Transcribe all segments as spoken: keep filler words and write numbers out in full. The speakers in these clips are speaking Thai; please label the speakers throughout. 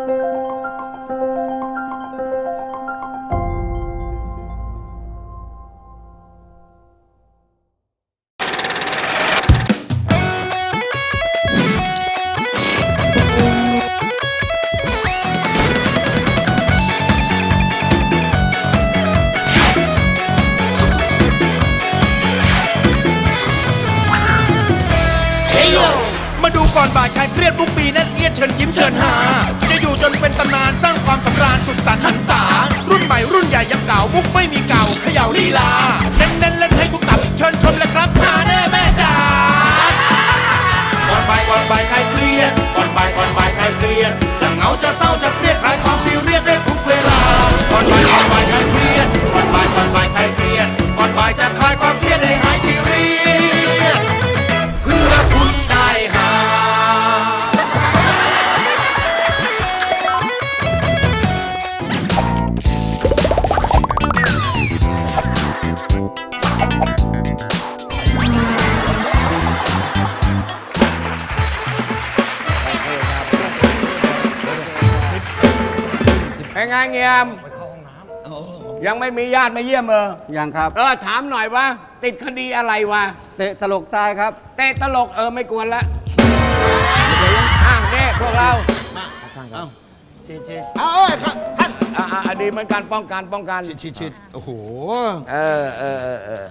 Speaker 1: มาดูก่อนบ่ายใครเครียดทุกปีนั่นเอียดเชิญยิ้มเชิญหาจะอยู่จนเป็นตำนานสร้างความสำราญสุดสันต์หันษารุ่นใหม่รุ่นใหญ่ยังเก่ามุกไม่มีเก่าเขย่าลีลาเน้นเน้นเล่นให้ทุกตับเชิญชมเลยครับหาแน่แม่จ๋าก่อนบ่ายก่อนบ่ายใครเครียดก่อนบ่ายก่อนบ่ายใครเครียดจะเหงาจะเศร้าจะเครียดคลายความซีเรียสได้ทุกเวลาก่อนบ่ายก่อนบ่ายใครเครียดก่อนบ่ายก่อนบ่ายใครเครียดก่อนบ่ายจะคลายความเครียดให้หายซีเรียสเพื่อคุณได้หา
Speaker 2: เป็นไงเงียมยังไม่มีญาติมาเยี่ยมเออ
Speaker 3: ยังครับ
Speaker 2: เออถามหน่อยว่าติดคดีอะไรวะ
Speaker 3: เตะตลกตายครับ
Speaker 2: เตะตลกเออไม่กวนละอ้าวเนี่ยพวกเรา
Speaker 4: ชิดชิด
Speaker 5: เอาเอาครับท่าน
Speaker 2: อ่าอ่าดีเหมือนกันป้องกันป้องกัน
Speaker 5: ชิดชิดชิดโอ้โห
Speaker 2: เออเออเออเออ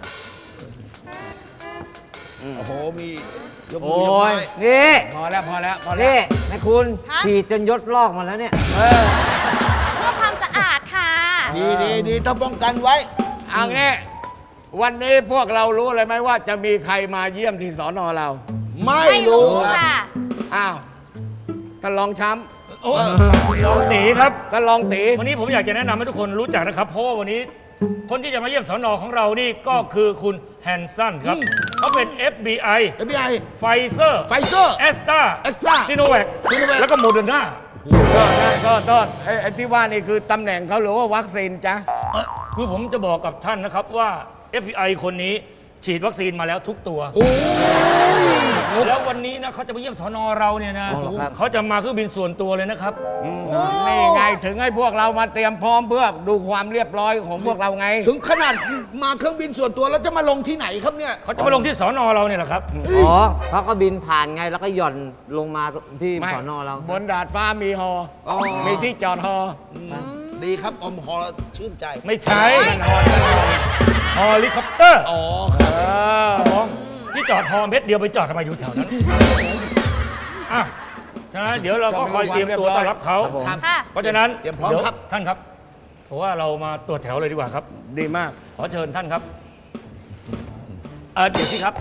Speaker 5: โอ้โหมียกมื
Speaker 3: โอ้
Speaker 5: อยกไม้
Speaker 3: ย นี่
Speaker 2: พอแล้วพอแล้วพอแล้ว
Speaker 3: นี่นายคุณ
Speaker 6: ฮะ
Speaker 3: ฉีดจนยศลอกมาแล้วเนี่ย
Speaker 2: เออ
Speaker 6: เพื่อความสะอาดค่ะ
Speaker 5: ดีดีดีต้องป้องกันไว้
Speaker 2: เอังนี้วันนี้พวกเรารู้เลยไหมว่าจะมีใครมาเยี่ยมที่สอนอเรา
Speaker 5: ไม่
Speaker 6: ไม่
Speaker 5: รู้
Speaker 6: รู้
Speaker 5: ครับ
Speaker 6: ค่ะ
Speaker 2: อ้าวท่านรองช้
Speaker 4: โอ้ลองตีครับ
Speaker 2: ำท่านรองตี
Speaker 4: วันนี้ผมอยากจะแนะนำให้ทุกคนรู้จักนะครับ เพราะว่าวันนี้คนที่จะมาเยี่ยมสนของเรานี่ก็คือคุณแฮนสันครับเขาเป็น เอฟ บี ไอ
Speaker 5: เอฟบีไอ
Speaker 4: ไฟเซอร์
Speaker 5: ไฟเซอร์
Speaker 4: แอสตรา
Speaker 5: Astra
Speaker 4: ซิโนแวค
Speaker 5: Sinovac
Speaker 4: แล้วก็โมเดอร์นา
Speaker 2: ก็ได้ก็โทษไอ้ไอ้ที่ว่านี่คือตำแหน่งเขาหรือว่าวัคซีนจ๊ะ
Speaker 4: คือผมจะบอกกับท่านนะครับว่า เอฟ บี ไอ คนนี้ฉีดวัคซีนมาแล้วทุกตัว แล้ววันนี้นะเขาจะมาเยี่ยมสนเราเนี่ยนะเขาจะมาเครื่องบินส่วนตัวเลยนะครับ
Speaker 2: นี่ไงถึงให้พวกเรามาเตรียมพร้อมเพื่อดูความเรียบร้อยของพวกเราไง
Speaker 5: ถึงขนาดมาเครื่องบินส่วนตัวแล้วจะมาลงที่ไหนครับเนี่ย
Speaker 4: เขาจะมาลงที่สนเราเนี่ยแหละครับ
Speaker 3: อ๋อเขาก็บินผ่านไงแล้วก็หย่อนลงมาที่
Speaker 2: ไม่
Speaker 3: สอนอเรา
Speaker 2: บนดาดฟ้ามีฮอ
Speaker 5: อ๋อ
Speaker 2: มีที่จอดฮอ
Speaker 5: ดีครับอมหอชื่นใจ
Speaker 4: ไม่ใช่
Speaker 2: นั่นฮอนั่นฮอ
Speaker 4: ฮอลิคอปเตอร์
Speaker 5: อ๋อ
Speaker 2: เออ
Speaker 4: มองที่จอดฮอเม็ดเดียวไปจอดทำไมอยู่แถวนั้นอ่ะฉะนั้นเดี๋ยวเราก็คอยเตรียมตัวต้อนรับเขา
Speaker 5: ครับ
Speaker 6: ค่ะ
Speaker 4: เพราะฉะนั้น
Speaker 5: เตรียมพร้อม
Speaker 4: ดี๋ว
Speaker 5: ครับ
Speaker 4: ท่านครับเพราะว่าเรามาตรวจแถวเลยดีกว่าครับ
Speaker 2: ดีมาก
Speaker 4: ขอเชิญท่านครับเออเดี๋ยวสิครับ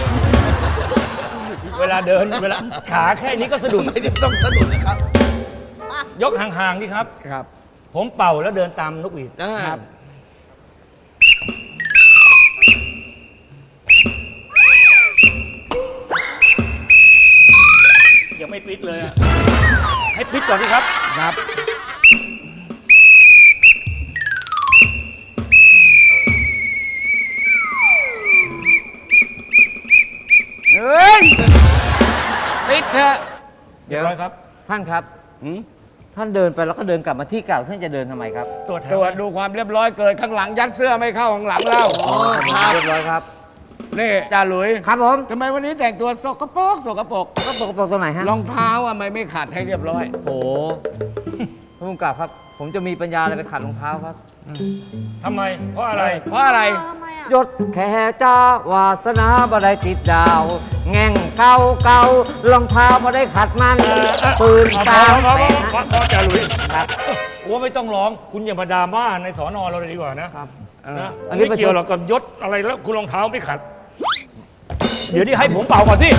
Speaker 4: เวลาเดินเวลาขาแค่นี้ก็สะดุด
Speaker 5: ไม่ได้ต้องสะดุดนะครับ
Speaker 4: ยกห่างๆนี่ครับ
Speaker 2: ครับ
Speaker 4: ผมเป่าแล้วเดินตามนกหวีด
Speaker 5: อ่า
Speaker 2: ครับ
Speaker 4: ยังไม่ปิดเลยอะให้ปิดก่อนดีครับ
Speaker 2: ครับเฮ้ยปิดเถอะ
Speaker 4: เรียบร้อยครับ
Speaker 3: ท่านครับ
Speaker 2: หืม
Speaker 3: ท่านเดินไปแล้วก็เดินกลับมาที่เก่าท่านจะเดินทำไมครับ
Speaker 4: ตรวจแถ
Speaker 2: ตร
Speaker 4: ว
Speaker 2: วจดูความเรียบร้อยเกิดข้างหลังยัดเสื้อไม่เข้าข้างหลังเรา
Speaker 5: อ๋อครับ
Speaker 3: เรียบร้อยครับ
Speaker 2: นี่จ่าหลุย
Speaker 3: ครับผม
Speaker 2: ทำไมวันนี้แต่งตัวสกปรกสกปรก
Speaker 3: ก็ปกปกตรงไหนฮะ
Speaker 2: รองเท้าอะไม่ไม่ขัดให้เรียบร้อย
Speaker 3: โอ้โหท่านผู้กำกับครับ ผมจะมีปัญญาอะไรไปขัดรองเท้าครับ
Speaker 4: ทำไม เพราะอะไร
Speaker 2: เพราะอะไร
Speaker 6: ทำไมอ่ะ
Speaker 3: ยศแค่จ้าวาสนาบ่ได้ติดดาว แง่งเก่าเก่ารองเท้าบ่ได้ขัดมันปืน
Speaker 4: เอา
Speaker 3: ตาม
Speaker 4: พอ
Speaker 3: แส
Speaker 4: พอพอพอจ่าหลุย
Speaker 3: ครับ
Speaker 4: ว่าไม่ต้องร้อง คุณอย่ามาดราม่าในสอนอเราเลยดีกว่านะครับ นะ
Speaker 3: อันนี้
Speaker 4: ไม่เกี่ยวหรอกกับยศอะไรแล้วคุณรองเท้าไม่ขัด เดี๋ยวนี้ให้ผมเป่าก่อนสิ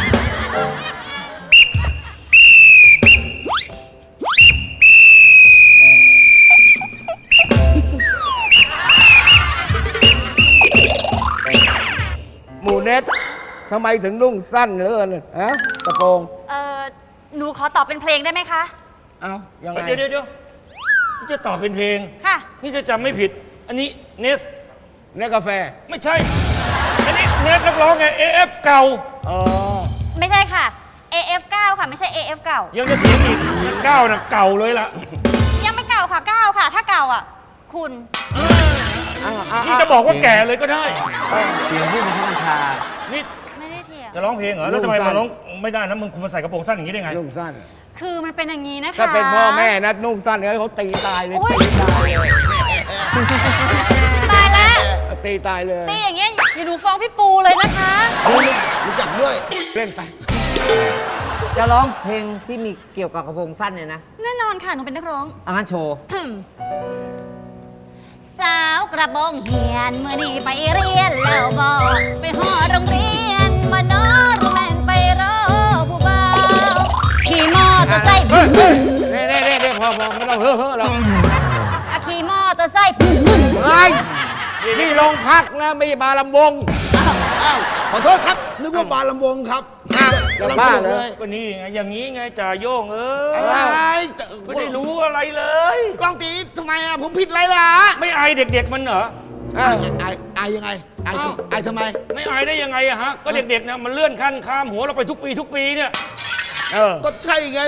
Speaker 2: หมูเน็ตทำไมถึงนุ่งสั้นเหลือเกินฮะกระโปรง
Speaker 6: เออหนูขอตอบเป็นเพลงได้ไหมคะ
Speaker 2: เอ้ายังไง
Speaker 4: เดี๋ยวเดี๋ยวเดี๋ยวที่จะตอบเป็นเพลง
Speaker 6: ค่ะ
Speaker 4: นี่จะจำไม่ผิด อันนี้เนส
Speaker 2: เนสกาแฟ
Speaker 4: ไม่ใช่ อันนี้เนสนักร้องไง เอ เอฟ เก่า
Speaker 2: อ๋อ
Speaker 6: ไม่ใช่ค่ะเอ เอฟ เก้า ค่ะ ไม่ใช่ เอ เอฟ เก่า
Speaker 4: ยังจะเถียงอีกเก้านะเก่าเลยล่ะ
Speaker 6: ยังไม่เก่าค่ะเก้าค่ะ ถ้าเก่าอ่ะ คุณ
Speaker 4: นี่จะบอกว่าแก่เลยก็ได้
Speaker 3: เสียงผู้บังคับบัญชา
Speaker 4: นี่
Speaker 6: ไม่ได้เถียง
Speaker 4: จะร้องเพลงเหรอ แล้วทำไมมาร้องไม่ได้นะ มึงคุณมาใส่กระโปรงสั้นอย่างนี้ได้ไง
Speaker 2: นุ่งสั้น
Speaker 6: คือมันเป็นอย่างนี้นะคะ
Speaker 2: ถ้าเป็นพ่อแม่นะนุ่งสั้นเนี่ยเขาตีตายเลย
Speaker 6: โอ๊ย
Speaker 2: ตีตายเลย
Speaker 6: ตายแล้ว
Speaker 2: ตีตายเลย
Speaker 6: ตีอย่างเงี้ยอย่าหนูฟ้องพี่ปูเลยนะคะ
Speaker 5: รู้จักด้วย
Speaker 2: เล่นไป
Speaker 3: จะร้องเพลงที่มีเกี่ยวกับกระโปรงสั้นเนี่ยนะ
Speaker 6: แน่นอนค่ะ หนูเป็นนักร้อง
Speaker 3: อันนั้นโชว์
Speaker 6: สาวกระบองเหียนเมื่อนี้ไปเรียนแล้วบอกไปหอโรงเรียนมานอนแม่นไปรอผู้บ่าวขี่มอเตอร์ไซค์
Speaker 2: เฮ้ยเฮ้ยเน่เน่เน่เน่พอพอไม่ต้องเฮ้อเฮ้อหรอก
Speaker 6: อะขี่มอเตอร์ไซค์
Speaker 2: เฮ้ยนี่โรงพักนะไม่ใช่บาร์ลำวง
Speaker 5: อ้าว ขอโทษครับ นึกว่าบาร์ลำวงครับ
Speaker 2: อ้าว
Speaker 5: กำลัง
Speaker 2: บ้า
Speaker 5: สนุก
Speaker 2: เลย
Speaker 5: เลย
Speaker 4: ก็นี่ไง อย่างนี้ไงจ่าโย่งเอ้ย
Speaker 5: อะไร
Speaker 4: ไม่ได้รู้อะไรเลย
Speaker 5: ลองตีทำไมอ่ะ ผมผิดอะไรล่ะ
Speaker 4: ไม่อายเด็กๆมันเหรอ
Speaker 5: อายอายอายยังไงอาย
Speaker 4: อ้าว
Speaker 5: อายทำไม
Speaker 4: ไม่อายได้ยังไงอะฮะ ก็เด็กๆเนี่ยมันเลื่อนขั้นข้ามหัวเราไปทุกปีทุกปีเนี่ย
Speaker 2: เออ
Speaker 5: ก็ใช่ไง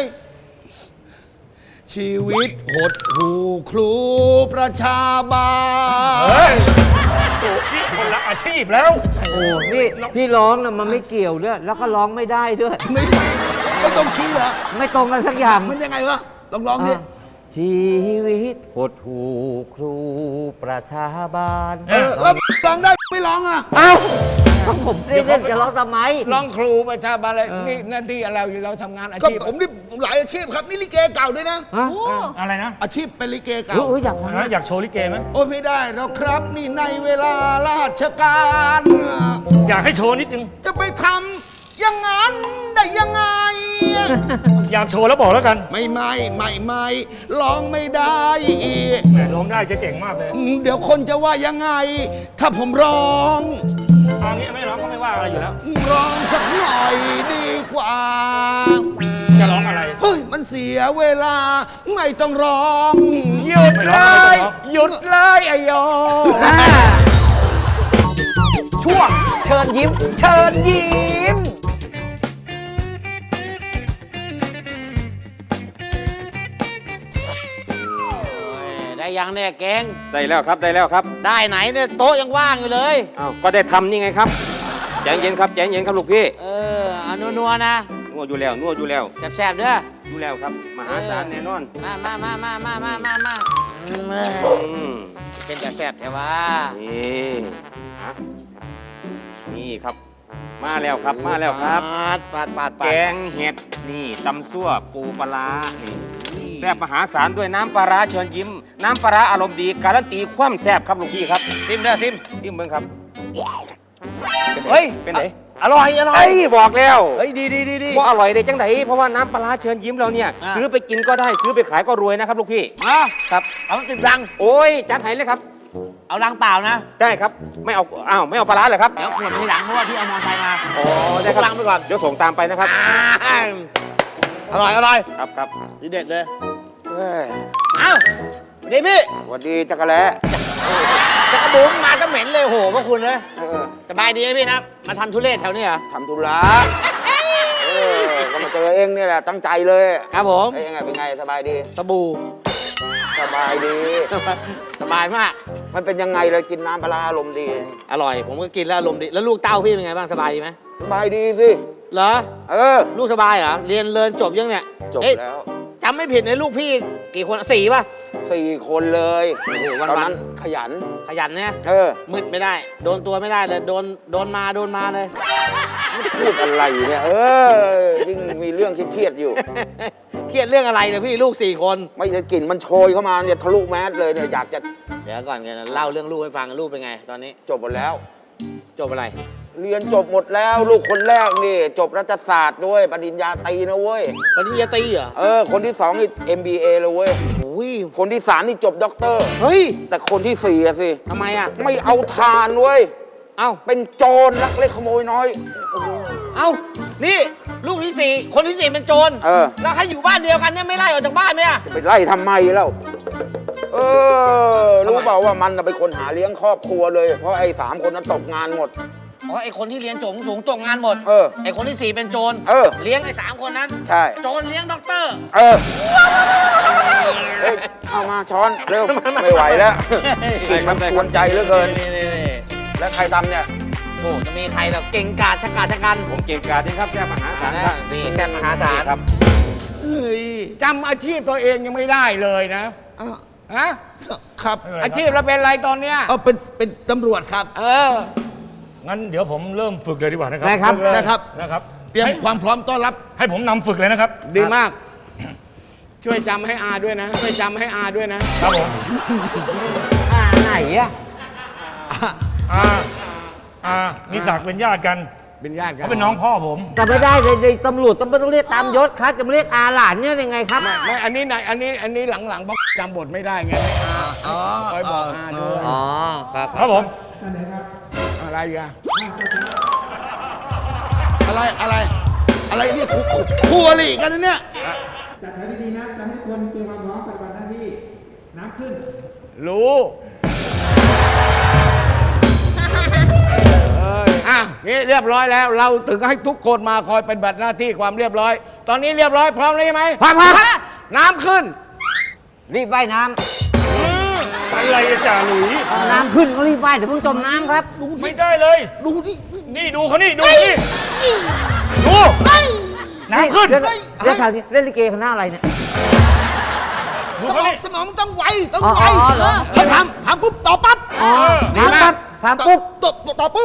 Speaker 5: ชีวิตหดหูครูประชาบาล
Speaker 4: เฮ้ยโอ้นี่คนละอาชีพแล้ว
Speaker 3: โอ้ นี่ที่ร้องนะมันไม่เกี่ยวด้วย แล้วก็ร้องไม่ได้ด้วย
Speaker 5: ไม่ไม่ต้องคิดเหรอ
Speaker 3: ไม่ตรงกันสักอย่าง
Speaker 5: มันยังไงวะ ลองร้องดิ
Speaker 3: อ่ะชีวิตหดหูครูประชาบาล
Speaker 4: เอ
Speaker 5: เออ แล้วร้องได้ไม่ร้องอ่ะ
Speaker 3: เอ้าก็ผมไม่ได้เล่นจะร้องทำไม
Speaker 2: ร้องครูประชาบาลเลย
Speaker 3: เออ
Speaker 2: นี่หน้าที่อะไรเราทำงานอา
Speaker 5: ก็
Speaker 2: ชีพ
Speaker 5: ผมนี่ผมหลายอาชีพครับ นี่ลิเกเก่าด้วยนะ
Speaker 3: ฮะ
Speaker 6: โอ้
Speaker 4: อะไรนะ
Speaker 5: อาชีพเป็นลิเกเก่า
Speaker 3: อุ๊ยอยากฟัง
Speaker 4: นะอยากโชว์ลิเกไหม
Speaker 5: โอ้ยไม่ได้หรอกครับ นี่ในเวลาราชการ
Speaker 4: อยากให้โชว์นิดนึง
Speaker 5: จะไปทำอย่างนั้นได้ยังไง
Speaker 4: อยากโชว์แล้วบอกแล้วกัน
Speaker 5: ไม่ไม่ไม่ไม่ร้องไม่ได้อีก
Speaker 4: แหมร้องได้จะเจ๋งมากเลย
Speaker 5: เดี๋ยวคนจะว่ายังไง ถ้าผมร้อง
Speaker 4: เอางี้ไม่ร้องก็ไม่ว่าอะไรอยู่แล้ว
Speaker 5: ร้องสักหน่อยดีกว่า
Speaker 4: จะร้องอะไร
Speaker 5: เฮ้ย มันเสียเวลา ไม่ต้องร้อง
Speaker 2: หยุด
Speaker 4: ไม่
Speaker 2: เล
Speaker 4: ร้องไม่
Speaker 2: ย
Speaker 4: ร้อง
Speaker 2: หยุดเลยไอโย
Speaker 3: ช่วงเชิญยิ้ม เชิญยิ้ม
Speaker 7: ได้ยังเนี่ยเก่ง
Speaker 8: ได้แล้วครับได้แล้วครับ
Speaker 7: ได้ไหนเนี่ยโต๊ะยังว่างอยู่เลย
Speaker 8: อ้าวก็ได้ทำนี่ไงครับใจเย็นครับใจเย็นครับลูกพี่
Speaker 7: เออเอานัวๆนะ
Speaker 8: นวดอยู่แล้วนวดอยู่แล้ว
Speaker 7: แซ่บๆเด้อ
Speaker 8: อยู่แล้วครับ มหาศาลแน่นอน
Speaker 7: มามามามามามามามาอืม
Speaker 8: อืม
Speaker 7: เป็นแต่แซ่บแต่ว่า
Speaker 8: นี่ฮะนี่ครับ มาแล้วครับมาแล้วครับ
Speaker 7: ปาดปาดปาดปา
Speaker 8: แก
Speaker 7: ด
Speaker 8: งเห็ดนี่ตำซั่วปูปลาร้านี่แซ่บมหาศาลด้วยน้ำปลาร้าเชิญยิ้ม น้ำปลาร้าอารมณ์ดีการันตีความแซ่บครับลูกพี่ครับ
Speaker 7: ซิมเด้อซิม
Speaker 8: ซิมเบิ้งครับ
Speaker 7: เฮ้ย
Speaker 8: เป็นไหน
Speaker 7: อร่อยอร่อย
Speaker 8: ไอ้ยบอกแล้ว
Speaker 7: เฮ้ยดีดีดีดี
Speaker 8: ว่าอร่อยได้จังไดเพราะว่าน้ำปลาร้าเชิญยิ้มเราเนี่ย
Speaker 7: อ่า
Speaker 8: ซื้อไปกินก็ได้ซื้อไปขายก็รวยนะครับลูกพี่
Speaker 7: มา
Speaker 8: ครับ
Speaker 7: เอาติดรัง
Speaker 8: โอ้ยจัดให้เลยครับ
Speaker 7: เอารังเปล่านะ
Speaker 8: ได้ครับ ไม่เอาอ้าวไม่เอาปลาร้าเหรอครับ
Speaker 7: เดี๋ยวขวดไปที่หลังเพราะว่าพี่เอามอเตอร์ไซค์มา
Speaker 8: อ๋อได้ครับ
Speaker 7: ล้างไปก่อน
Speaker 8: เดี๋ยวส่งตามไปนะครับ
Speaker 7: อ่าอร่อยอร่อย
Speaker 8: ครับครับ
Speaker 7: ดีเด็ดเลยเอ้าสวัสดีพี่
Speaker 2: สวัสดีจักรแล้
Speaker 7: จะกระบุ๋มมาก็เหม็นเลยโหพวกคุณเลยสบายดีไหมพี่นะ มาทำทุเรศแถวนี้เหรอ
Speaker 2: ทำธุระเออก็มาเจอเองนี่แหละตั้งใจเลย
Speaker 7: ครับผม
Speaker 2: เอ้ยยังไงเป็นไงสบายดี
Speaker 7: สบู่
Speaker 2: สบายดี
Speaker 7: สบายมาก
Speaker 2: มันเป็นยังไงเลยกินน้ำปลาร้าอารมณ์ดี
Speaker 7: อร่อย ผมก็กินแล้วอารมณ์ดี แล้วลูกเต้าพี่เป็นไงบ้าง สบายดีไหม
Speaker 2: สบายดีสิ
Speaker 7: เหรอ
Speaker 2: เออ
Speaker 7: ลูกสบายเหรอ เรียนเรียนจบยังเนี่ย
Speaker 2: จบ
Speaker 7: เอ๊ะ
Speaker 2: แล้ว
Speaker 7: จำไม่ผิดในลูกพี่กี่คนสี่ป่ะ
Speaker 2: สี่คนเลย
Speaker 7: โอ้โหวันๆ
Speaker 2: ตอนนั้นขยัน
Speaker 7: ขยันเนี่ย
Speaker 2: เออ
Speaker 7: มืดไม่ได้ โดนตัวไม่ได้เลย โดน โดนมา โดนมาเลย
Speaker 2: พูดอะไรเนี่ย เออ ยิ่งมีเรื่องเครียดๆอยู่
Speaker 7: เครียดเรื่องอะไรเนี่ยพี่ลูกสี่คน
Speaker 2: ไม่จะกลิ่นมันโชยเข้ามาเนี่ยทะลุแมสเลยเนี่ยอยากจะ
Speaker 7: เดี๋ยวก่อนกันเล่าเรื่องลูกให้ฟังลูกเป็นไง ตอนนี้
Speaker 2: จบหมดแล้ว
Speaker 7: จบอะไร
Speaker 2: เรียนจบหมดแล้วลูกคนแรกนี่ จบรัฐศาสตร์ด้วยปริญญาตรีนะเว้ย
Speaker 7: ปริญญาตรีเหรอ
Speaker 2: เออ คนที่สองนี่ เอ็ม บี เอ เลยเว้ย
Speaker 7: โอ้ย
Speaker 2: คนที่สามนี่จบด็อกเตอร์
Speaker 7: เฮ้ย
Speaker 2: แต่คนที่สี่อะสิ
Speaker 7: ทำไมอ่ะ
Speaker 2: ไม่เอาทานเว้ย
Speaker 7: เอ้า
Speaker 2: เป็นโจรลักเล็กขโมยน้อย
Speaker 7: เอ้า นี่ ลูกที่สี่คนที่สี่เป็นโจร
Speaker 2: เออ
Speaker 7: แล้วให้อยู่บ้านเดียวกันเนี่ยไม่ไล่ออกจากบ้านเนี่ย
Speaker 2: จะไปไล่ทำไมแล้ว เออ รู้
Speaker 7: ทำไม
Speaker 2: เปล่าว่ามันน่ะเป็นคนหาเลี้ยงครอบครัวเลย เพราะไอ้สามคนนั้นตกงานหมด
Speaker 7: อ๋อไอคนที่เรียนจบสูงตกงานหมด
Speaker 9: เออ
Speaker 7: ไอคนที่สี่เป็นโจร
Speaker 9: เออ
Speaker 7: เลี้ยงไอสามคนนั้น
Speaker 9: ใช่
Speaker 7: โจรเลี้ยงด็อกเตอร์
Speaker 9: เออเฮ้ยเอามาช้อนเร็วไม่ไหวแล้วมันกวนใจเหลือเกิน
Speaker 7: นี่นี่นี่
Speaker 9: แล้วใครทำเนี่ย
Speaker 7: โอ้จะมีใครแบบเก่งกาจชะกาจชะกัน
Speaker 8: ผมเก่งกาจนี่ครับแซ่บมหาศาล
Speaker 7: นะครับนี่แซ่บมหาศาล
Speaker 8: ครับ
Speaker 5: เฮ้ย
Speaker 2: จำอาชีพตัวเองยังไม่ได้เลยนะ
Speaker 5: อ้าว
Speaker 2: ฮะ
Speaker 5: ครับ
Speaker 2: อาชีพเราเป็นอะไรตอนเนี้ย
Speaker 5: เอาเป็นเป็นตำรวจครับ
Speaker 2: เออ
Speaker 4: งั้นเดี๋ยวผมเริ่มฝึกเลยดีกว่านะครับ
Speaker 3: ได้ครับ
Speaker 5: นะครับ
Speaker 4: นะครับ
Speaker 5: เตรียม
Speaker 4: ให้
Speaker 5: ความพร้อมต้อนรับ
Speaker 4: ให้ผมนำฝึกเลยนะครับ
Speaker 2: ดีมาก ช่วยจำให้อาด้วยนะ ช่วยจำให้อาด้วยนะ
Speaker 4: ครับผม
Speaker 3: อ่าไหนอะ
Speaker 4: อ่าอ่ามีศักดิ์เป็นญาติกัน
Speaker 2: เป็นญาติกัน
Speaker 4: เขาเป็นน้องพ่อผม
Speaker 3: แต่ไม่ได้เลยในตำรวจต้องไม่ต้องเรียกตามยศครับจะมาเรียกอาหลานเนี่ยยังไงครับ
Speaker 2: ไม่ไม่อันนี้ไหนอันนี้อันนี้หลังๆเพราะจำบทไม่ได้ไงให้อา
Speaker 5: อ๋อ
Speaker 2: คอยบอกอาด้วย
Speaker 3: อ๋อครับ
Speaker 4: ครับผม
Speaker 2: อะไรอ่ะ
Speaker 5: อะไรอะไร อะไรเนี่ยคู่คู่คู่อริกันนะเนี่ย
Speaker 2: รู้ อ่ะนี่เรียบร้อยแล้ว เราถึงให้ทุกคนมาคอยเป็นบัตรหน้าที่ความเรียบร้อย ตอนนี้เรียบร้อยพร้อมแล้วใช่ไหม
Speaker 3: พร้อมครับ
Speaker 2: น้ำขึ้น
Speaker 3: รีบว่ายน้
Speaker 4: อะไรอะจ่าหลุย
Speaker 3: ำน้ำขึ้นก็รีบว่ายเดี๋ยวเพิ่งจมน้ำครับ
Speaker 4: ไม่ได้เลย
Speaker 5: ดูดิ
Speaker 4: นี่ดูเขานี่ดูนี่ดูน้ำขึ้น
Speaker 3: เดี๋ยวเดี๋ยวถามนี้เล่นลิเกคณะอะไรเนี่ย
Speaker 4: ดู
Speaker 5: ส
Speaker 4: เขา
Speaker 5: มอง
Speaker 4: นี่
Speaker 5: สมองมันต้องไวต้อง
Speaker 3: อ๋อ
Speaker 5: ไว
Speaker 3: อ๋อเหรอ
Speaker 5: ถ้าทำทำปุ๊บตอบปั๊บ
Speaker 3: อ๋อถามครับถามปุ๊บ
Speaker 5: ตอบตอบปุ๊บ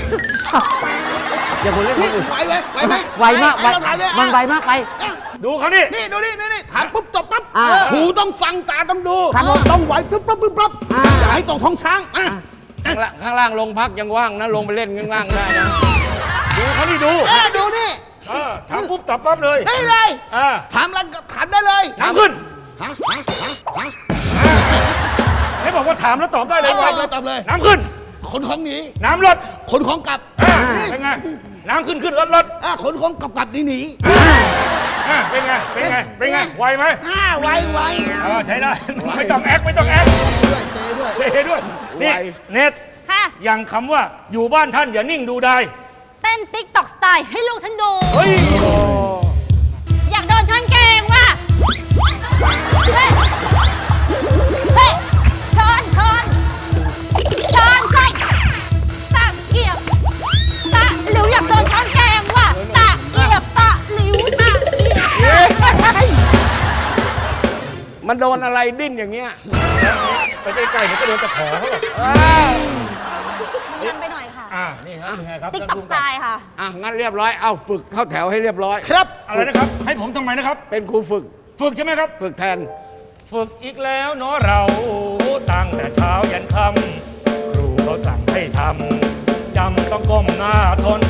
Speaker 3: อย่าพูดเล่นค
Speaker 5: นี่
Speaker 3: นอื่น
Speaker 5: ไหวไหมไหวไหม
Speaker 3: ไวมากไว
Speaker 5: ต้องถ่ายด้วย
Speaker 3: มันไวมากไป
Speaker 4: ดูเขานี่
Speaker 5: นี่ดูนี่นี่นี่ถามปุ๊บตอบปั๊บ
Speaker 3: อ่า
Speaker 5: หูต้องฟังตาต้องดู
Speaker 3: ครับผม
Speaker 5: ต้องไหวปุ๊บปั๊บปุ๊บปั๊บ
Speaker 3: อ่า
Speaker 5: อย่าให้ตกท้องช้างอ่ะ
Speaker 2: ข้างล่างข้างล่างลงพักยังว่างนะ ลงไปเล่นข้างล่างได้นะ
Speaker 4: ดูเขานี่ดู
Speaker 5: เออดูนี่
Speaker 4: เออถามปุ๊บตอบปั๊บเลย
Speaker 5: ได้เลย
Speaker 4: อ่า
Speaker 5: ถามแล้วก็ถามได้เลย
Speaker 4: น้ำขึ้น
Speaker 5: ฮะฮะฮะฮะ
Speaker 4: ให้บอกว่าถามแล้วตอบได้เลย
Speaker 5: ตอบเลยตอบเลย
Speaker 4: น้ำขึ้น
Speaker 5: ขนของหนี
Speaker 4: น้ำลด
Speaker 5: ขนของกลับ
Speaker 4: อ่าเป็นไงน้ำขึ้นขึ้นลดลด
Speaker 5: อ่ะขนของกลับกลับหนีหนี
Speaker 4: อ่าเป็นไงเป็นไงเป็นไงไวไหม
Speaker 5: อ่าไวไว
Speaker 4: เออใช้ได้ไม่ต้องแอคไม่ต้องแอค
Speaker 5: ด้วยเซด้วย
Speaker 4: เซด้วยนี่เน็ต
Speaker 6: ค่ะ
Speaker 4: อย่างคำว่าอยู่บ้านท่านอย่านิ่งดูได้
Speaker 6: เต้นติ๊กตอกสไตล์ให้ลูกฉันดู
Speaker 4: เฮ้ย
Speaker 6: อยากโดนช้อนแกงว่ะ เฮ้ย เฮ้ย ช้อนช้อนช้อนช้อนตะเกียบตะหลิวอยากโดนช้อนแกงว่ะตะเกียบตะหลิวตะเกียบตะ
Speaker 2: มันโดนอะไรดิ้นอย่างเงี้ย
Speaker 4: ไปใกล้ๆเดี๋ยวก็โดนตะขอเขาหรอก
Speaker 2: อ้าว
Speaker 6: ทำไปหน่อยค่ะ
Speaker 4: อ่านี่ครับเป็นไงครับ
Speaker 6: ติ๊ก
Speaker 4: ท่าน
Speaker 6: ตอก
Speaker 4: ผู้
Speaker 6: ส
Speaker 4: กำ
Speaker 6: ไต
Speaker 4: กับ
Speaker 6: ล์ค่ะ
Speaker 2: อ่ะงั้นเรียบร้อย เอาฝึกเข้าแถวให้เรียบร้อย
Speaker 5: ครับ
Speaker 4: อะไรนะครับ ให้ผมทำไมนะครับ
Speaker 2: เป็นครูฝึก
Speaker 4: ฝึกใช่ไหมครับ
Speaker 2: ฝึกแทน
Speaker 4: ฝึกอีกแล้วเนาะเราตั้งแต่เช้ายันค่ำครูเขาสั่งให้ทำจำต้องก้มหน้าทน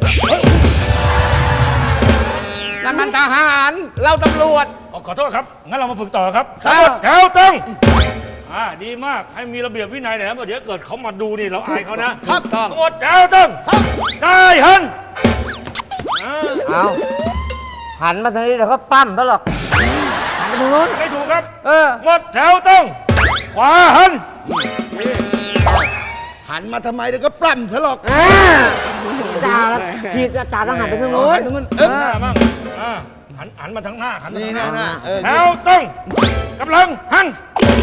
Speaker 2: นั่นมันทหาร เราตำรวจ
Speaker 4: อ๋อขอโทษครับ งั้นเรามาฝึกต่อครับ
Speaker 2: ครับ
Speaker 4: แถวตึงอ่าดีมากให้มีระเบียบวินัยหน่อยนะเดี๋ยวเกิดเขามาดูนี่เราอายเขานะครับ
Speaker 2: ต้อง
Speaker 4: ทั้งหมดแถวตึงซ้ายหันอ่า
Speaker 3: เอาหันมาทางนี้เดี๋ยวเขาปั้มซะหรอกหันไปทางนู้น
Speaker 4: ไม่ถูกครับ
Speaker 3: เออ
Speaker 4: หมดแถวตึงขวาหัน
Speaker 5: หันมาทำไมเดี๋ยวก็ปล้ำซะหรอก
Speaker 3: อ่าจ่าแล้วขีดจ่าต้องหันไปทางนู้น
Speaker 5: หันทางนู้นเอ๊ะ
Speaker 4: หน้ามั่งอ่าหันหันมาทางหน้าหันมา
Speaker 5: นี่
Speaker 4: ทางห
Speaker 5: นะ
Speaker 4: น้า
Speaker 5: นะเออ
Speaker 4: แถวตึงกำลังหัน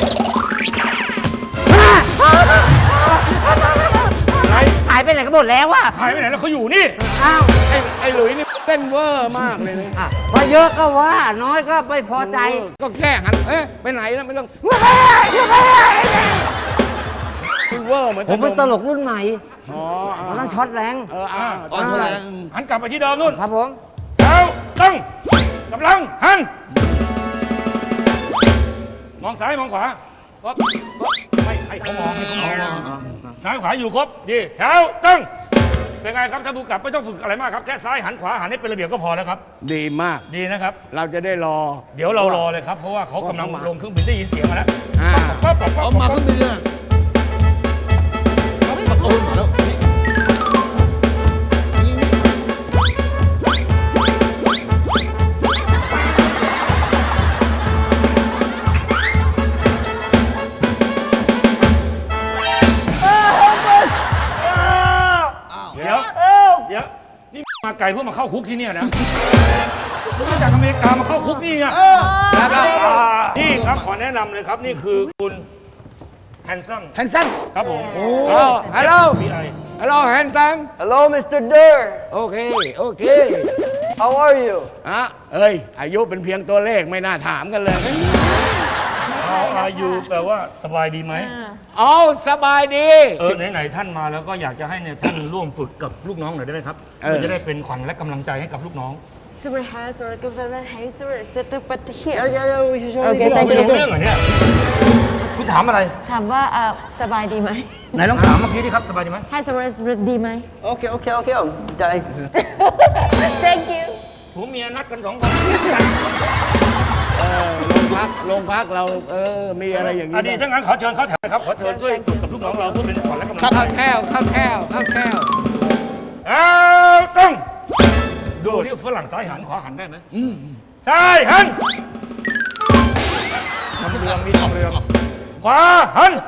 Speaker 4: ไหน
Speaker 3: หายไปไหนกันหมดแล้ววะ
Speaker 4: หายไปไหนแล้วเขาอยู่นี่
Speaker 3: อ้าว
Speaker 2: ไอ้ไอ้หลุยนี่เต้นเวอร์มากเลยนะ
Speaker 3: อ่ะว่าเยอะก็ว่า น้อยก็ไม่พอใจ
Speaker 2: ก็แค่หัน เอ๊ะ ไปไหนแล้วไม่ต้องเวอร์เหมือน
Speaker 3: ผมเป็นตลกรุ่นใหม่
Speaker 2: อ๋อ
Speaker 3: มันต้องช็อตแรง
Speaker 2: เอออ่า
Speaker 5: อ่อนแรง
Speaker 4: หันกลับไปที่เดิมนู่น
Speaker 3: ครับผม
Speaker 4: แถวตึงกำลังหันมองซ้ายมองขวาปั๊บปั๊บไม่ให้เขามองให้เขามองซ้ายขวาอยู่ครบดีแถวตึงเป็นไงครับท่านผู้กำกับไม่ต้องฝึกอะไรมากครับแค่ซ้ายหันขวาหันให้เป็นระเบียบก็พอแล้วครับ
Speaker 2: ดีมาก
Speaker 4: ดีนะครับ
Speaker 2: เราจะได้รอ
Speaker 4: เดี๋ยวเรารอเลยครับ เพราะว่าเขากำลังลงเครื่องบินได้ยินเสียงมาแล้ว
Speaker 2: อ่า
Speaker 4: ปั๊บปั๊บปั๊บ
Speaker 5: เอา
Speaker 4: ปั๊บ
Speaker 5: มา
Speaker 4: ปั๊บ
Speaker 5: ขึ้นไปเลยเอาโอ้ยมาแล้วนี่นี่
Speaker 4: เดี๋ยวไกลเพื่อมาเข้าคุกที่เนี่ยนะมึงมาจากอเมริกามาเข้าคุกนี่ไง
Speaker 2: แล้วก็
Speaker 4: นี่ครับขอแนะนำเลยครับนี่คือคุณแฮนซัม
Speaker 5: แฮนซัน
Speaker 4: ครับผม
Speaker 2: ฮัลโหล
Speaker 4: พีไอ
Speaker 2: ฮัลโหลแฮนซัม
Speaker 3: Hello Mister Durr
Speaker 2: โอเค โอเค
Speaker 3: How are you
Speaker 2: อ่ะเอ้ย อายุเป็นเพียงตัวเลขไม่น่าถามกันเลย
Speaker 4: How are you แปลว่าสบายดีไหม
Speaker 2: อ๋อสบายดี
Speaker 4: เออไหนๆท่านมาแล้วก็อยากจะให้เนี่ยท่านร่วมฝึกกับลูกน้องหน่อยได้ไหมครับ
Speaker 2: เออ
Speaker 4: มันจะได้เป็นขวัญและกำลังใจให้กับลูกน้อง
Speaker 10: Super has or give them a hazer set up at the here.
Speaker 4: Okay, thank you เรื่องเหรอเนี่ยคุณถามอะไร
Speaker 10: ถามว่าเอ่อสบายดีไหม
Speaker 4: ไหนลองถามเมื่อกี้ดิครับสบายดีไหม
Speaker 10: ให้สบายดีไหม
Speaker 3: โอเคโอเคโอเคได้
Speaker 10: Thank you
Speaker 4: ผัวเมียนัดกันสองคน
Speaker 2: โรงพักโรงพักเราเออมีอะไรอย่าง
Speaker 4: อดี
Speaker 2: นี้
Speaker 4: ตถ้างั้นขอเชิญเขาแถวครับขอเชิญช่วยฝึกกับลูกน้องเราเพื่อเป็นขวัญและกำลังใจ
Speaker 2: ข้าวแก้วข้าวแก้วข้าวแก้ว
Speaker 4: เอาต้องดูที่ฝรั่งซ้ายหันขวาหันได้ไหมซ้ายหันทำเรืองมีทำเรืองขวาหัน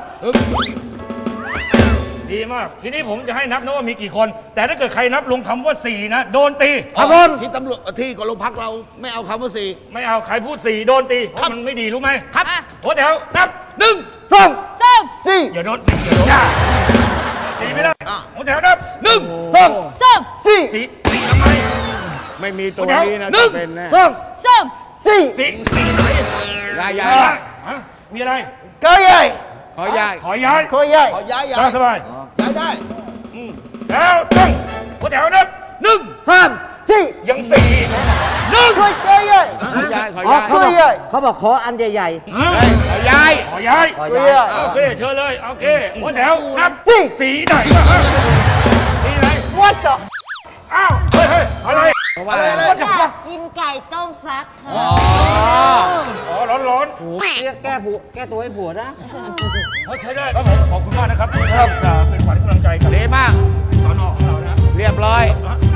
Speaker 4: ดีมากทีนี้ผมจะให้นับนะว่ามีกี่คน แต่ถ้าเกิดใครนับลงคำว่าสี่นะโดนตี
Speaker 5: ครับผมที่ตำรวจที่กองโรงพักเราไม่เอาคำว่าสี่
Speaker 4: ไม่เอาใครพูดสี่โดนตีเพราะมันไม่ดีรู้ไหม
Speaker 5: ครับ
Speaker 4: หัวแถวนับหนึ่ง
Speaker 3: สอง
Speaker 6: ส้ม
Speaker 3: สี่
Speaker 4: อย่าโดนสี่อย่าโดนสี่ไม่ได้หัวแถวนับหนึ่ง
Speaker 2: สอง
Speaker 6: ส้ม
Speaker 3: สี่
Speaker 4: สี่สี่ทำไม
Speaker 2: ไม่มีตัว
Speaker 4: หัวแถว
Speaker 2: นี้นะ
Speaker 4: หนึ่ง
Speaker 2: เป็นแน่
Speaker 3: สอง
Speaker 6: ส้ม
Speaker 3: สี่
Speaker 4: สี่สี่ไหน
Speaker 2: ยายยา
Speaker 4: อะ
Speaker 2: ย
Speaker 4: ไรฮะมีอะไร
Speaker 3: ก็ใหญ่
Speaker 2: ขอยาย
Speaker 4: ขอย้าย
Speaker 3: ก็ใหญ่
Speaker 5: ขอย้ายย้า
Speaker 4: ตาย มสบาย
Speaker 5: ย้ายได้
Speaker 4: แล้วต้องหัวแถวนับหนึ่ง
Speaker 3: สามสี่
Speaker 4: ยังสี่หนึ่ง
Speaker 3: ก็ใหญ่
Speaker 2: ขอยายขอ
Speaker 3: อ๋อย
Speaker 2: าย
Speaker 3: ก็ใหญ่เขาบอกขออันใหญ่
Speaker 2: เฮ้ยขอยาย
Speaker 4: ขอย้าย
Speaker 3: ๆขอใหญ่
Speaker 4: โอเคเชิญเลยโอเคหัวแถวนับ
Speaker 3: สี่
Speaker 4: สีไหนวะสีไหน
Speaker 3: What the
Speaker 4: อ้าวเฮ้ยเฮ้ยอะไร
Speaker 2: เพราะว่าอะไร
Speaker 4: What the fuck
Speaker 10: กินไก่ต้มฟักค่ะ
Speaker 4: อ๋อร้อนร้อน
Speaker 3: แก้ผัวแก้ตัวให้ผัวนะ
Speaker 4: ๆเขาใช้ได้ครับผมขอบคุณมากนะครับที่จะเป็นขวัญกำลังใจกับ
Speaker 2: ดีมาก
Speaker 4: สอนอของเรานะ
Speaker 2: เรียบร้อย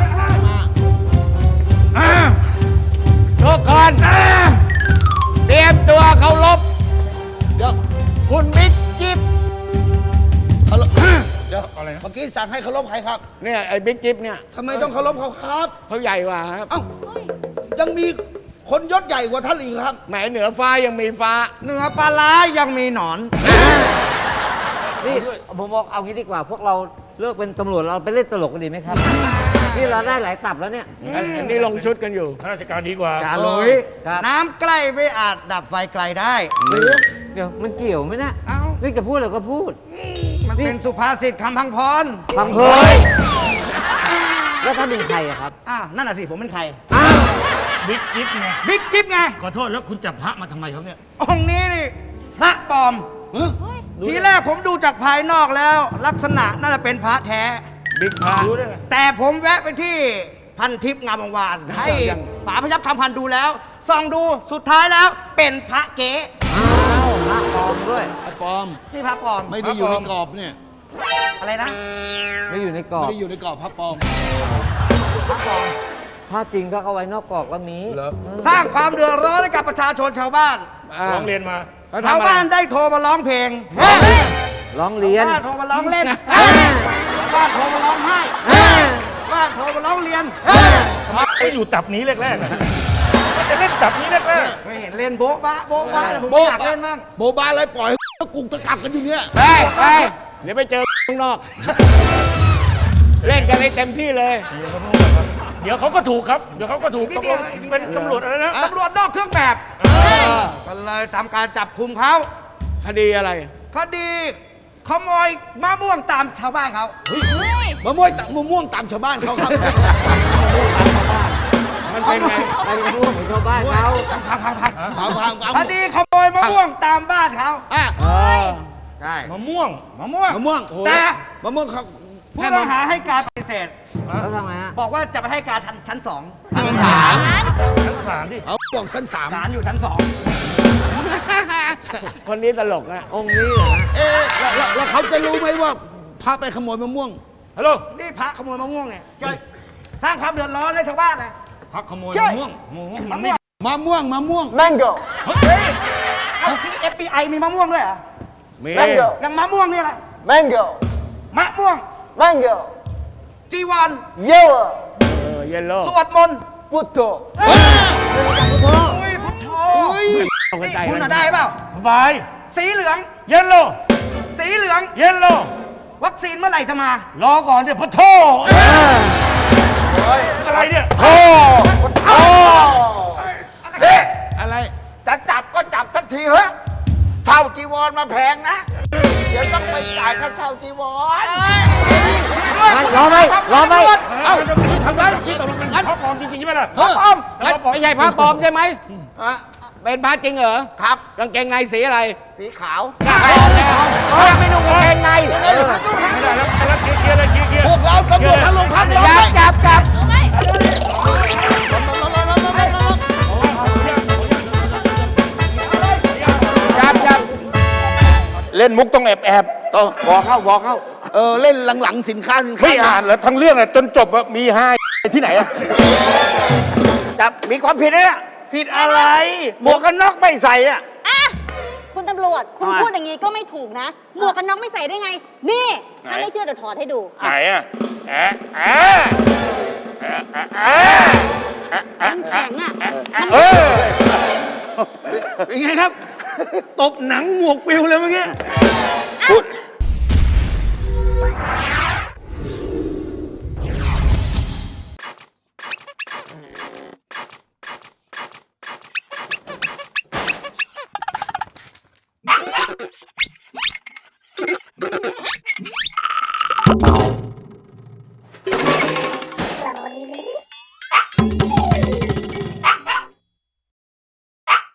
Speaker 2: ทุกคนเตรียมตัวเคารพ
Speaker 5: เดี๋ยว
Speaker 2: คุณบิ๊กจิ๊บ
Speaker 5: เคารพเดี๋ยว
Speaker 4: อะไรนะ
Speaker 5: เมื่อกี้สั่งให้เคารพใครครับ
Speaker 2: เนี่ยไอ้บิ๊กจิ๊บเนี่ย
Speaker 5: ทำไมต้องเคารพเขาครับ
Speaker 2: เขาใหญ่กว่าครับ
Speaker 5: เอ้ายังมีคนยศใหญ่กว่าท่านอีกครับ
Speaker 2: แหมเหนือฟ้ายังมีฟ้า
Speaker 5: เหนือปลาร้ายังมีหนอน
Speaker 3: นี่ผมบอกเอางี้ดีกว่า พวกเราเลิกเป็นตำรวจเราไปเล่นตลกกันดีไหมครับ นี่เราได้หลายตับแล้วเนี่ย
Speaker 2: อันอันนี้ลงชุดกันอยู่
Speaker 4: ข้าราชการดีกว่า
Speaker 5: จ่าหลุย
Speaker 3: ครับ
Speaker 5: น้ำใกล้ไม่อาจดับไฟไกลได้
Speaker 3: เดี๋ยวมันเกี่ยวไหมนะ
Speaker 5: เอ้า
Speaker 3: นี่จะพูดอะไรก็พูด
Speaker 5: มันเป็นสุภาษิตคำพังพร
Speaker 3: ฟังเพยแล้วถ้าเป็นใครอะครับ
Speaker 5: อ่านั่นน่ะสิ ผมเป็นใคร
Speaker 3: อ้าว
Speaker 4: บิ๊กจิ๊บไง
Speaker 5: บิ๊กจิ๊บไง
Speaker 4: ขอโทษแล้วคุณจับพระมาทำไมครับเนี่ย
Speaker 5: องค์นี้นี่ พระปลอม ทีแรกผมดูจากภายนอกแล้ว ลักษณะน่าจะเป็นพระแท้
Speaker 2: บิ๊กพระ
Speaker 4: รู้ได้ไง
Speaker 5: แต่ผมแวะไปที่พันทิพย์งามวงวาน ให้ป๋าพยับคำพันธ์ดูแล้วส่องดูสุดท้ายแล้วเป็นพระเก๊
Speaker 3: อ้าวพระปลอมด้วย
Speaker 5: ปลอม นี่พระปลอม
Speaker 4: ไม่ได้อยู่ในกรอบ
Speaker 5: อะไรนะ
Speaker 3: ไม่อยู่ในกรอบ
Speaker 5: ไม่ได้อยู่ในกรอบพระปลอม
Speaker 3: พระจริงก็เอาไว้นอกกรอบก็มี
Speaker 5: สร้างความเดือดร้อนให้กับประชาชนชาวบ้าน
Speaker 2: อ่า
Speaker 4: ร้องเรียนมา
Speaker 2: เขา
Speaker 5: ชาว
Speaker 2: ทำอะไร
Speaker 5: บ้านได้โทรมาร้องเพลง
Speaker 3: ร้องเรียน
Speaker 5: บ้านโทรมาร้องเล่นบ้านโทรมาร้องไห้บ้านโทรมาร้องเรียน
Speaker 4: ไม่อยู่ตับนี้แรกๆอะมันจะเล่นตับนี้แรก
Speaker 5: ไม่เห็นเล่นโบ๊ะบะโบ๊ะบะเลยผมอยากเล่นบ้าง
Speaker 9: โบบาอะไรปล่อยตะกุกตะกักกันอยู่เนี่ย
Speaker 2: ไปไปเดี๋ยวไปเจอข้างนอก เล่นกันให้เต็มที่เลย
Speaker 4: ๆ เดี๋ยวเขาก็ถูกครับ เดี๋ยวเขาก็ถูก
Speaker 5: นิ
Speaker 4: ต
Speaker 5: ด
Speaker 4: ก
Speaker 5: เดี
Speaker 4: ล
Speaker 5: ยว
Speaker 4: ง
Speaker 5: นิดเดียว
Speaker 4: เป็นตำรวจอะไรนะ
Speaker 5: ตำรวจนอกเครื่องแบบก็เลยทำการจับคุมเขา
Speaker 2: คดีอะไร
Speaker 5: คดีขโมยมะม่วงตามชาวบ้านเขา
Speaker 9: มะม่วงตมะม่วงตามชาวบ้านเขาครับ
Speaker 2: มันเป็นไง
Speaker 3: ไปเป็นร่วมของชาวบ้านเขา
Speaker 5: พังพังพัง
Speaker 9: ถามถามถาม
Speaker 5: คดีขโมยมะม่วงตามบ้านเขา
Speaker 9: อ่ะ
Speaker 2: เออ
Speaker 5: ใช่
Speaker 4: มะม่วง
Speaker 5: มะม่วง
Speaker 9: มะม่วง
Speaker 5: แต่
Speaker 9: มะม่วงเขา
Speaker 5: ผู้ต้องหาให้การปฏิเสธ
Speaker 3: แล้วทำไงฮะ
Speaker 5: บอกว่าจะไปให้การทันชั้นสอง
Speaker 4: ชั้นศาลดิ
Speaker 9: เอาบอกชั้นสาม
Speaker 5: ศาลอยู่ชั้นสอง
Speaker 2: คนนี้ตลกนะ
Speaker 3: องค์นี้เหรอฮะ
Speaker 9: เอ๊ะแล้วแล้วแล้วเขาจะรู้ไหมว่าพาไปขโมยมะม่วง
Speaker 4: ฮัลโหล
Speaker 5: นี่พระขโมยมะม่วงเนี่ยจะสร้างความเดือดร้อนให้ชาวบ้านเลย
Speaker 4: พักขโมย
Speaker 5: ใช่
Speaker 4: มะม่วงมะม่วงมั
Speaker 5: มะ
Speaker 4: นไม่
Speaker 5: ม่วง
Speaker 9: มะม่วงมะม่วง
Speaker 3: Mango
Speaker 5: เฮ้ยเอาที่ เอฟ บี ไอ มีมะม่วงด้วยเหรอ
Speaker 2: มี
Speaker 3: Mango
Speaker 5: อย่างมะม่วงนี่แหละ
Speaker 3: Mango
Speaker 5: มะม่วง
Speaker 3: Mango
Speaker 5: จีวัน
Speaker 3: Yellow
Speaker 2: อเยลโล่
Speaker 5: สวดมนต์
Speaker 3: พุทโธ
Speaker 5: อุ้ยพุทโธ
Speaker 2: เอากระ
Speaker 5: นี่
Speaker 2: จาย
Speaker 5: คุณ
Speaker 2: กั
Speaker 5: น่ะ
Speaker 2: น
Speaker 5: ได้เปล่า
Speaker 4: สบาย
Speaker 5: สีเหลือง
Speaker 4: เยลโล่
Speaker 5: สีเหลือง
Speaker 4: เยลโล่
Speaker 5: วัคซีนเมื่อไหร่จะมา
Speaker 4: รอก่อนเดี๋ยวพะโทอะไรเนี่ย
Speaker 9: โอ้โอ้เฮ้ย
Speaker 1: อะไร
Speaker 9: จะจับก็จับสักทีเฮ้ยเช่าจีวรมาแพงนะ เดี๋ยวต้องไปจ่ายค่าเช่าจีวร
Speaker 3: รอไหมรอไหม
Speaker 4: เอ้านี่ทำไรนี่ตกลงเป็นพระปลอมจริงๆใช่ไหมล่ะ
Speaker 2: พระปลอมไม่ใช่พระปลอมใช่ไหม
Speaker 9: ฮะ
Speaker 2: เป็นพระจริงเหรอ
Speaker 9: ครับ
Speaker 2: กางเกงในสีอะไร
Speaker 9: สีขาว
Speaker 2: พระไม่นุ่งกางเกงใน
Speaker 4: ไม่ได้แล้วแล้วเคลียร์เคลียร์เลยเคลียร์เคลียร์
Speaker 1: พวกเราตำรวจทั้งโรงพักเรา
Speaker 2: จับจับจับ
Speaker 6: รู้ไหม
Speaker 2: จับจับ
Speaker 8: เล่นมุกต้องแอบแอบ
Speaker 9: ต้องบอกเข้าบอกเข้า
Speaker 1: เออ เล่นหลังๆสินค้าสินค้า
Speaker 8: ไม่อ่านเหรอทั้งเรื่องอะจนจบอะมีห้าที่ไหนอะ
Speaker 9: จับมีความผิดนะเนี่ย
Speaker 8: ผิดอะไร
Speaker 9: หมวกกันน็อกไม่ใส่อะ
Speaker 6: อ่ะคุณตำรวจ คุณ
Speaker 9: ทำไม
Speaker 6: พูดอย่างนี้ก็ไม่ถูกนะ หมวกกันน็อกไม่ใส่ได้ไง นี่ ถ้า
Speaker 8: ไหน
Speaker 6: ไม่เชื่อเดี๋ยวถอดให้ดู
Speaker 8: ไหนอะแอะแอะแอะแอะแอะแอะ
Speaker 6: แข็งอ่ะ
Speaker 8: เออ
Speaker 1: เป็นไงครับ ตบหนังหมวกปิวเลยเมื่อกี้
Speaker 6: อ้าว